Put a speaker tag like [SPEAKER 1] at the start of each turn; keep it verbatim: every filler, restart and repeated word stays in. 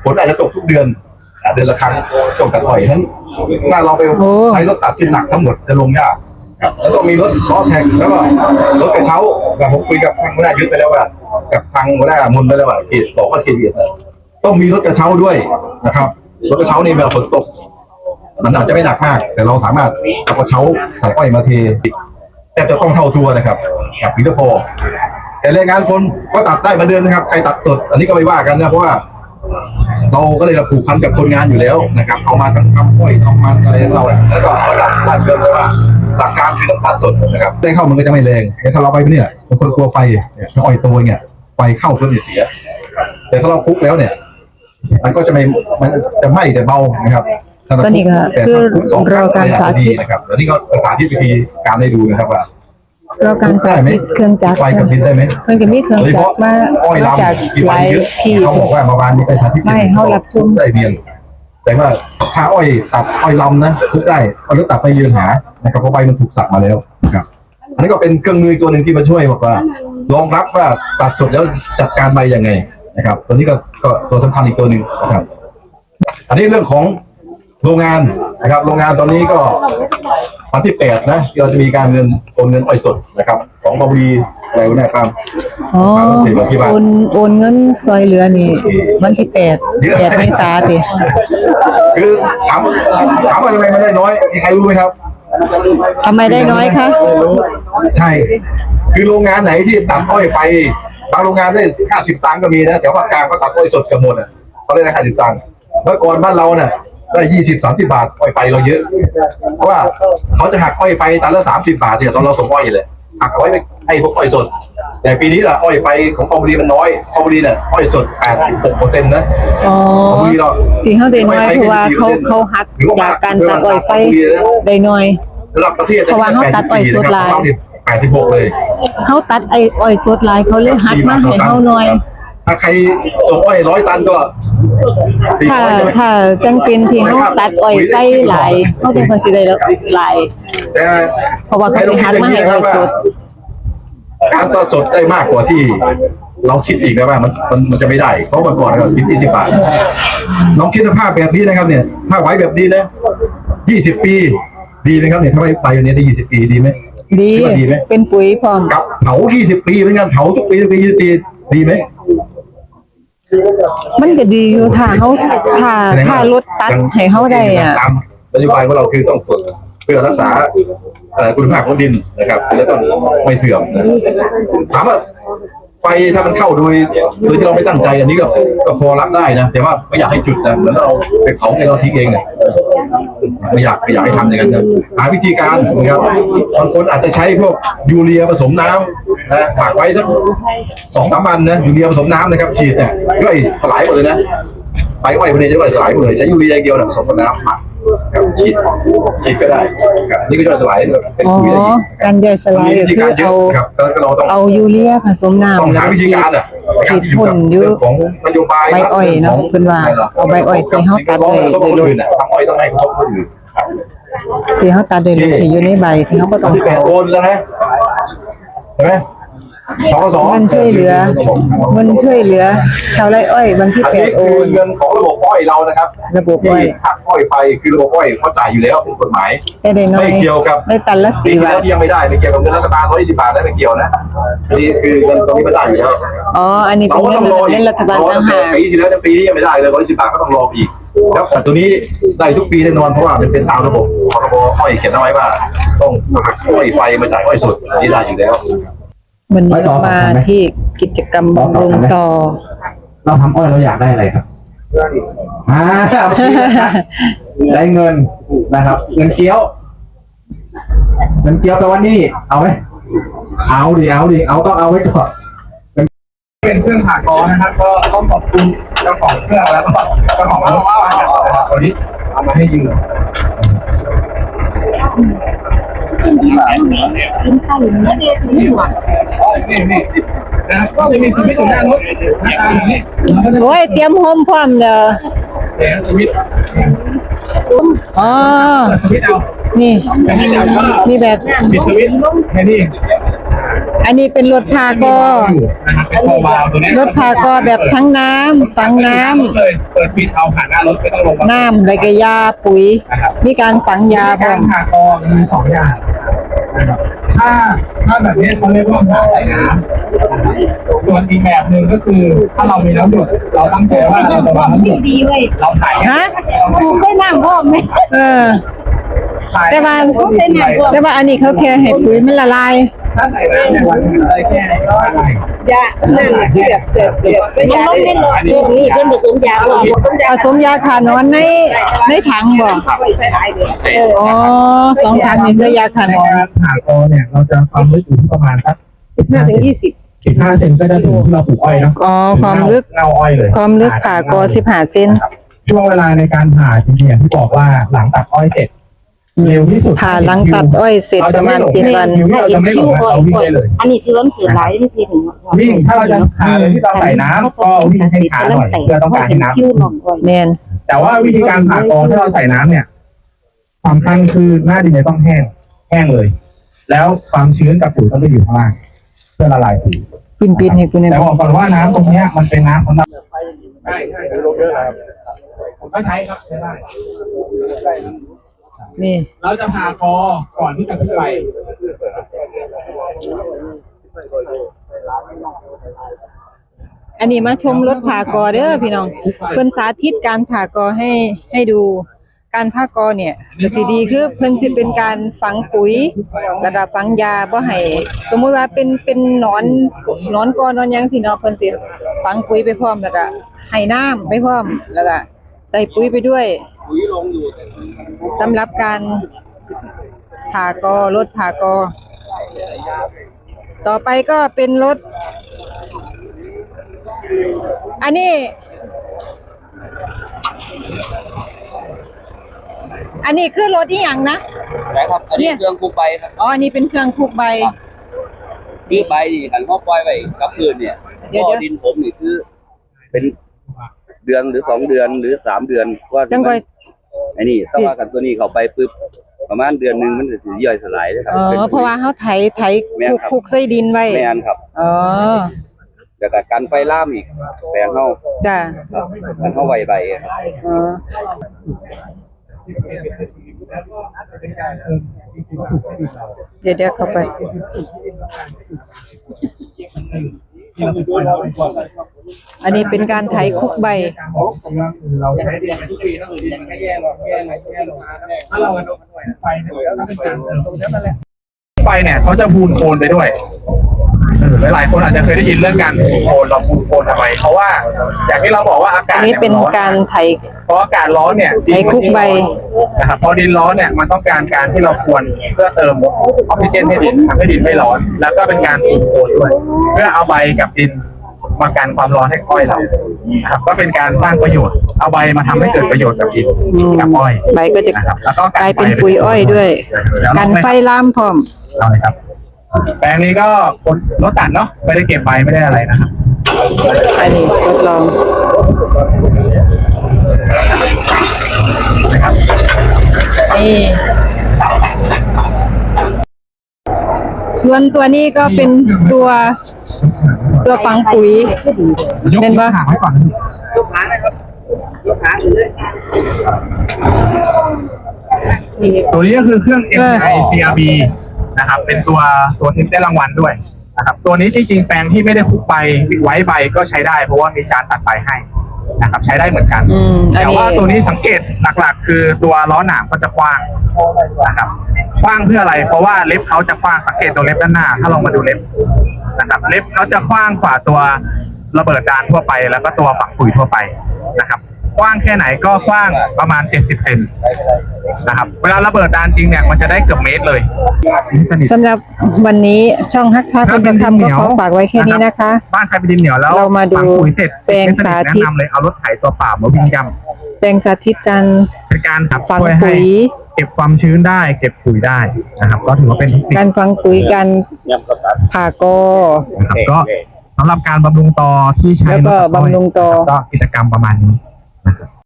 [SPEAKER 1] ฝนอาจจะตกทุกเดือนเดือนละครั้งตกตัดอ้อยทั้งถ้าเราไปใช้รถตัดที่หนักทั้งหมดจะลงยากแล้วต้องมีรถล้อแท็กแล้วก็รถกระเช้าแบบผมคุยกับทางหัวหน้ายุทธไปแล้วว่ากับทางหัวหน้ามนไปแล้วว่าเขตสองก็เขตเวียดต้องมีรถกระเช้าด้วยนะครับรถกระเช้านี่เวลาฝนตกมันอาจจะไม่หนักมากแต่เราสามารถเอากระเช้าใส่อ้อยมาเทแต่จะต้องเท่าตัวนะครับกับปีละพอแต่แรงงานคนก็ตัดได้เหมือนเดิมนะครับใครตัดสดอันนี้ก็ไม่ว่ากันนะเพราะว่าเราก็เลยผูกพันกับคนงานอยู่แล้วนะครับเอามาทั้งทำอ้อยทำมันอะไรของเราแล้วก็เอาหลักบ้านเกินเลยว่าหลักการคือต้องตัดสดนะครับได้เข้ามันก็จะไม่แรงแต่ถ้าเราไปเนี่ยบางคนกลัวไฟเนี่ยอ้อยตัวเนี่ยไฟเข้าต้นเสียแต่ถ้าเราคุกแล้วเนี่ยมันก็จะไม่มันจะไหม้แต่เบานะครับ
[SPEAKER 2] ตอนนี้ก็คือรอการสาธิต
[SPEAKER 1] นะครับแล้วนี่ก็สาธิตวิธีการได้ดูนะครับว่าร
[SPEAKER 2] อการสาธิตเครื่องจักร
[SPEAKER 1] ไฟกับดินได้ไหม
[SPEAKER 2] มันก็มีเครื่องจักรมาจากหลายที่
[SPEAKER 1] เขาบอกว่าเมื่อวานนี้ไปสาธิต
[SPEAKER 2] ไม่เขารับชม
[SPEAKER 1] ได้เรียนแต่ว่าถ้าอ้อยตัดอ้อยลำนะทุกได้เอารถตัดไปยืนหานะครับเพราะใบมันถูกสักมาแล้วนะครับอันนี้ก็เป็นเครื่องมือตัวหนึ่งที่มาช่วยบอกว่ารองรับว่าตัดสดแล้วจัดการใบยังไงนะครับตัวนี้ก็ก็ตัวสำคัญอีกตัวหนึ่งนะครับอันนี้เรื่องของโรงงานนะครับโรงงานตอนนี้ก็วันที่แปดนะเราจะมีการเงินโอนเงินอ้อยสดนะครับของบวีอะไรวะเนี่ยครับ
[SPEAKER 2] อ๋อโอนโอนเงินซอยเหลือนี่วันที่แปดแปดเมษาติ
[SPEAKER 1] คือถามถามว่าทำไมมันได้น้อยมีใครรู้ไหมครับ
[SPEAKER 2] ทำไมได้น้อยคะ
[SPEAKER 1] ใช่คือโรงงานไหนที่ตัดอ้อยไปบางโรงงานได้ห้าสิบตังค์ก็มีนะแถวภาคกลางก็ตัดอ้อยสดกันหมดอ่ะเขาได้ห้าสิบตังค์เมื่อก่อนบ้านเราเนี่ยได้ยี่สิบสามสิบบาทอ้อยไปเราเยอะเพราะว่าเขาจะหักอ้อยไปตันละสามสิบบาทเนี่ยตอนเราส่งอ้อยเลยหักอ้อยไปให้พวกอ้อยสดแต่ปีนี้ล่ะอ้อยไปของกองบุรีมันน้อยกองบุรีเนี่ยอ้อยสดแปดสิบหกเปอร์เซ็นต์นะ
[SPEAKER 2] อ๋อที่เขาได้น้อยเพราะว่าเขาเขาหักจากการตัดอ้อยไปได้น้อย
[SPEAKER 1] ระดับประเทศ
[SPEAKER 2] เพราะว่าเขาตัดอ้อยสดหลาย
[SPEAKER 1] แปดสิบหกเลย
[SPEAKER 2] เขาตัดไอ้อ้อยสดหลายเขาเลยหักมาให้เขาน้อย
[SPEAKER 1] ถ้าใครส่งอ้อยร้อยตันก็
[SPEAKER 2] ถ้าถ้าจังเป็นที่เขาตัดอ้อยไปหลายเขาเป็นคนสิได้แล้วหลายเพราะว่าเขาสิหักมาให้อ้อยสด
[SPEAKER 1] การตัดสดได้มากกว่าที่เราคิดอีกนะว่ามันมันมันจะไม่ได้เพราะเมื่อก่อนก็สิบยี่สิบบาทน้องคิดสภาพแบบนี้นะครับเนี่ยถ้าไว้แบบนี้นะยี่สิบปีดีไหมครับเนี่ยถ้าไว้ไปอย่างนี้ได้ยี่สิบปีดีไหม
[SPEAKER 2] ดีเป็นปุ๋ยพร้อม
[SPEAKER 1] กับเผายี่สิบปีเหมือนกันเผาทุกปีทุกปียี่สิบปีดีไหม
[SPEAKER 2] มันก็ดีอยู่ถ้าเขาถ้าถ้ารถตัดให้เขาได้อ่ะ
[SPEAKER 1] ตามนโยบายของเราคือต้องฝึกเพื่อรักษาคุณภาพของดินนะครับและต้องไม่เสื่อมถามว่าไฟถ้ามันเข้าโดยโดยที่เราไม่ตั้งใจอันนี้ก็ก็พอรับได้นะแต่ว่าไม่อยากให้จุดนะเหมือนเราไปเผาในเราทิ้งเองเนี่ยไม่อยากไม่อยากให้ทำอย่างนั้นนะหาวิธีการนะครับบางคนอาจจะใช้พวกยูเรียผสมน้ำนะหมักไว้สักสองสามวันนะยูเรียผสมน้ำนะครับฉีดเนี่ยย่อยสลายหมดเลยนะใบอ้อยพวกนี้จะย่อยสลายหมดเลยใช้ยูเรียเดียวเนี่ยผสมกับน้ำหมักฉีดฉีดก็ได้นี่ก็ย่อยสลายเป็นปุ๋ยได้
[SPEAKER 2] การย่อยสลายคือเอาเอายูเรียผสมน้ำ
[SPEAKER 1] ต้องหาวิธีการอ่ะ
[SPEAKER 2] ฉีดพ่นอยู่
[SPEAKER 1] ของนโยบาย
[SPEAKER 2] ใบอ้อยเนาะเพิ่นว่าเอาใบอ้อยที่เฮาตัดเลยโดยรวม
[SPEAKER 1] ทำอ้อยต้องให้ครบคนอื่น
[SPEAKER 2] ที่เฮาตัดโดยรวมที่อยู่ในใบที่เฮาบ่ต้อง
[SPEAKER 1] ที่แปดโอนแล้วนะเห็นไหม
[SPEAKER 2] เงินช่วยเหลือเงินช่วยเหลือชาวไร่อ้อยวันที่แปดโอน
[SPEAKER 1] เงินของระบบอ้อยเรานะครับ
[SPEAKER 2] ระบบอ้อย
[SPEAKER 1] หักอ้อยไปคือระบบอ้อยเขาจ่ายอยู่แล้วเป็นกฎหมายไม่เกี่ยวกับ
[SPEAKER 2] ได้ตันละสี่บาท
[SPEAKER 1] ที่ยังไม่ได้ไม่เกี่ยวกับเงินรัฐบาลร้อยยี่สิบบาทได้ไม่เกี่ยวนะนี่คือเงินตรงนี้ไม่ได้อยู่แล้ว
[SPEAKER 2] อ๋ออันนี้เป็นเงินรัฐบาลต่างหาก
[SPEAKER 1] ปีที่แล้วปีนี้ยังไม่ได้เลยร้อยยี่สิบบาทก็ต้องรออีกครับแต่ตัวนี้ได้ทุกปีแน่นอนเพราะว่ามันเป็นตามระบบพรบอ้อยเขียนเอาไว้ว่าต้องหักอ้อยไปมาจ่ายอ้อยสดนี่ได้อยู่แล้ว
[SPEAKER 2] วันนี้มาที่กิจกรรมบำรุงต่อ
[SPEAKER 3] เราทำอ้อยเราอยากได้อะไรครับอ่าได้เงินนะครับเงินเกี้ยวเงินเกี้ยวแปลว่านี่เอาไหมเอาดิเอาดิเอาต้องเอาไว้ก่อน
[SPEAKER 4] เป็นเครื่องผ่ากอนะครับก็ต้องขอบคุณเจ้าของเครื่องแล้วก็เจ้าของรถบ้านนะครับวันนี้เอามาให้ยืม
[SPEAKER 2] ขึ้นข้าวหรือไม่ได้ขึ้นหัว
[SPEAKER 4] นี่นี่นะครับก็จะมีสวิตช์อยู่หน้ารถ
[SPEAKER 2] โอ้ยเตรียมโฮมพร้อมเด้อ
[SPEAKER 4] สวิตช์
[SPEAKER 2] อ๋อ
[SPEAKER 4] สวิตช์เอา
[SPEAKER 2] นี่มีแบบ
[SPEAKER 4] ปิดสวิตช์แค่นี้
[SPEAKER 2] อันนี้เป็นรถพากอ
[SPEAKER 4] นะครับเป็นโฟวาล์วตัวนี้
[SPEAKER 2] รถพากอแบบทั้งน้ำฝังน้ำ
[SPEAKER 4] เลยเปิดปิดเอาผ่านหน้ารถไม่ต้องลงมา
[SPEAKER 2] น้ำแล้วก็ยาปุ๋ย มีการฝังยาพร้
[SPEAKER 4] กา
[SPEAKER 2] อ
[SPEAKER 4] ร
[SPEAKER 2] ม
[SPEAKER 4] ผ่ากอมีสองอย่างนะครับถ้าถ้าแบบนี้เขาเรียกว่าผ่าใส่น้ำส่วนอีกแบบหนึ่งก็คือถ้าเรามีน้ำหยดเราตั้งใจว่าเราจะวางน้ำหยดเราถ่าย
[SPEAKER 2] ฮะ
[SPEAKER 5] ปลูกใส่น้ำพร้อมไหม
[SPEAKER 2] เออ แต่ว่าแต่ว่าอันนี้เขาแค่ให้ปุ๋ยมันละลาย
[SPEAKER 4] ถ้าใส่น้ำในวันนึงเลยแค่อะไร
[SPEAKER 5] ยานั่นน่ะคือแบบแบบแบบก็ยาได้นี่เพิ่นผสมยาบ่ผสมยา
[SPEAKER 2] ผสมยาขานอนในในถังบ่
[SPEAKER 5] เอาไว้ใส่หลายเด้อ
[SPEAKER 2] อ๋อสองถังนี่ใส่ยาขานอน
[SPEAKER 4] การผ่ากอเนี่ยเราจะความลึกอยู่ที่ประมาณสัก
[SPEAKER 5] สิบห้าถึงยี่สิบ
[SPEAKER 4] สิบห้าเซนก็จะถึงที่เราปลูกอ้อยเนาะ
[SPEAKER 2] อ๋อความลึก
[SPEAKER 4] เน่าอ้อยเลย
[SPEAKER 2] ความลึกผ่ากอสิบห้าเซน
[SPEAKER 4] ช่วงเวลาในการผ่าจริงๆอย่างที่บอกว่าหลังตัดอ้อยเสร็จเร็วที่สุด
[SPEAKER 2] ผ่าหลังตัดอ้อยเสร็จประมาณเจ็ดวัน
[SPEAKER 4] เราจะไม่หลงนะเราวิ่งได้เลย
[SPEAKER 5] อันนี้คือมันเสือหลายที่ทีหนึ่ง
[SPEAKER 4] วิ่งถ้าเราจะผ่าโดยที่เราใส่น้ำก็วิ่งให้ช้าหน่อยเพื่อต้องการให้น้
[SPEAKER 5] คิ้วหน่อย
[SPEAKER 2] แม่น
[SPEAKER 4] ำแต่ว่าวิธีการผ่ากอถ้าเราใส่น้ำเนี่ยสำคัญคือหน้าดินจะต้องแห้งแห้งเลย แล้วความชื้นกับปุ๋ยต้องไปอยู่ข้างล่างเพื่อละลายปุ๋ย
[SPEAKER 2] ปินปินให้กูหน่อย
[SPEAKER 4] แต่
[SPEAKER 2] บ่
[SPEAKER 4] บอกก่อนว่าน้ำตรงเนี้ยมันเป็นน้ำสำหรับใช่ใช่ลงเยอะครับผมก็ใช้ครับใช้ได้
[SPEAKER 2] นี่
[SPEAKER 4] เราจะผ่ากอก่อนที่จะขึ้นไป
[SPEAKER 2] อันนี้มาชมรถผ่ากอเด้อพี่น้องเพิ่นสาธิตการผ่ากอให้ให้ดูการผ่ากอเนี่ยก็สิดีคือเพิ่นสิเป็นการฝังปุ๋ยแล้วก็ฝังยาบ่ให้สมมุติว่าเป็นเป็นหนอนหนอนกอนอนหยังสิเนาะเพิ่นสิฝังปุ๋ยไปพร้อมแล้วก็ให้น้ำไปพร้อมแล้วก็ใส่ปุ๋ยไปด้วยสำหรับการผ่ากอรถผ่ากอ ต่อไปก็เป็นรถ อันนี้ อันนี้คือรถอีหยังนะ
[SPEAKER 6] ใช่ครับ อันนี้เครื่องคูใบครับ
[SPEAKER 2] อ๋อ อันนี้เป็นเครื่องคูกใบ
[SPEAKER 6] คือใบนี่ขันเขาปล่อยไว้กับพื้นเนี่ย
[SPEAKER 2] เดี๋ยว
[SPEAKER 6] บ่อ
[SPEAKER 2] เดี๋ยว
[SPEAKER 6] ดินผมนี่คือ เป็นเดือนหรือสองเดือนหรือสามเดือนว่า
[SPEAKER 2] จัง
[SPEAKER 6] มั
[SPEAKER 2] ก่อน ย
[SPEAKER 6] ไอ้นี่ถ้าว่ากันตัวนี้เขาไปปุ๊บประมาณเดือนหนึงมันจะสิย่อยสลายเลยครับ
[SPEAKER 2] อ๋อ เพราะว่าเขาไถไถคุกคุกใส่ดินไว้
[SPEAKER 6] แม่นครับ
[SPEAKER 2] อ๋อ
[SPEAKER 6] แล้วก็การไฟล่ามอีกแปลงเฮา
[SPEAKER 2] จ้ะ
[SPEAKER 6] ครับกันเฮาไวใบครับ
[SPEAKER 2] อ๋อ เดี๋ยวเดี๋ยวเข้าไป อันนี้เป็นการไถคุกใบ
[SPEAKER 4] เราใช้ดินทุกปีถ้าดินมันก็แย่ลงแย่ลงแย่ลงถ้าเราไฟเนี่ยก็เป็นการเติมตรงนี้นั่นแหละไฟเนี่ยเขาจะพูนโคนไปด้วยหลายๆคนอาจจะเคยได้ยินเรื่องการพูนโคนเราพูนโคนทำไมเพราะว่าอย่างที่เราบอกว่าอากา
[SPEAKER 2] อั
[SPEAKER 4] ศ
[SPEAKER 2] นนี้
[SPEAKER 4] เนี่ย
[SPEAKER 2] เป็น
[SPEAKER 4] ร้อน
[SPEAKER 2] การไถ
[SPEAKER 4] เพราะอากาศร้อนเนี่ยดิน
[SPEAKER 2] ไถคุกใบ
[SPEAKER 4] นะครับพอดินร้อนเนี่ยมันต้องการการที่เราควรเพื่อเติมออกซิเจนให้ดินทำให้ดินไม่ร้อน แล้วก็เป็นการพูนโคนด้วย เพื่อเอาใบกับดินมากันความร้อนให้อ้อยเรานะครับก็เป็นการสร้างประโยชน์เอาใบมาทำให้เกิดประโยชน์กับดินกับอ้อย
[SPEAKER 2] ใบก็จะ
[SPEAKER 4] นะครับแล้วก็
[SPEAKER 2] กลายเป็นปุ๋ยอ้อยด้วย กันไฟลามพร้อม
[SPEAKER 4] เอาเลยครับ แปลงนี้ก็คนรถตัดเนาะไม่ได้เก็บใบไม่ได้อะไรนะครับ
[SPEAKER 2] อันนี้ทดลอง
[SPEAKER 4] นะครับ
[SPEAKER 2] นี่ ส่วนตัวนี้ก็เป็นตัวตัวฝังปุ๋ย
[SPEAKER 4] ยก
[SPEAKER 2] เป็นปะ
[SPEAKER 4] หางไว้ก่อน
[SPEAKER 6] ยกขานะครับยกขาอยู่เลย
[SPEAKER 4] ตัวนี้ก็คือเครื่อง เอ็ม ไอ ซี อาร์ บี นะครับ เป็นตัวตัวที่ได้รางวัลด้วยนะครับ ตัวนี้จริงๆแปลงที่ไม่ได้คุกใบไว้ใบก็ใช้ได้ เพราะว่ามีจานตัดใบให้นะครับ ใช้ได้เหมือนกัน
[SPEAKER 2] อืมอัน
[SPEAKER 4] แต่
[SPEAKER 2] นี้
[SPEAKER 4] ว่าตัวนี้สังเกตหลักๆ คือตัวล้อหนามก็จะกว้างนะครับกว้างเพื่ออะไร เพราะว่าเล็บเขาจะกว้างสังเกตตัวเล็บด้านหน้า ถ้าลองมาดูเล็บนะครับ เล็บเขาจะกว้างกว่าตัวระเบิดดานทั่วไป แล้วก็ตัวฝังปุ๋ยทั่วไปนะครับ กว้างแค่ไหนก็กว้างประมาณเจ็ดสิบเซนนะครับ เวลาระเบิดดานจริงเนี่ยมันจะได้เกือบเมตรเลยสนิท
[SPEAKER 2] สำหรับวันนี้ช่องฮักค้าคนประคำก็ขอฝากไว้แค่นี้นะคะ
[SPEAKER 4] บ้านใครเป็นดินเหนียวแล้ว
[SPEAKER 2] เรามาดู
[SPEAKER 4] ฝังปุ๋ยเสร็จ
[SPEAKER 2] แปลงสาธิต
[SPEAKER 4] แนะนำเลยเอารถไถตัวเปล่ามาวิ่งย่ำ
[SPEAKER 2] แปลงสาธิตการ
[SPEAKER 4] เป็นการขับ
[SPEAKER 2] ฝัง
[SPEAKER 4] ช่วยให้
[SPEAKER 2] ปุ๋ย
[SPEAKER 4] เก็บความชื้นได้ เก็บปุ๋ยได้นะครับ ก็ถือว่าเป็นเทคนิค
[SPEAKER 2] การฝังปุ๋ยการผ่ากอ
[SPEAKER 4] นะครับก็สำหรับการบำรุงตอที่ใช้
[SPEAKER 2] แล้วก็
[SPEAKER 4] รถตัดอ้อย
[SPEAKER 2] บำรุงตอ
[SPEAKER 4] ก็กิจกรรมประมาณนี้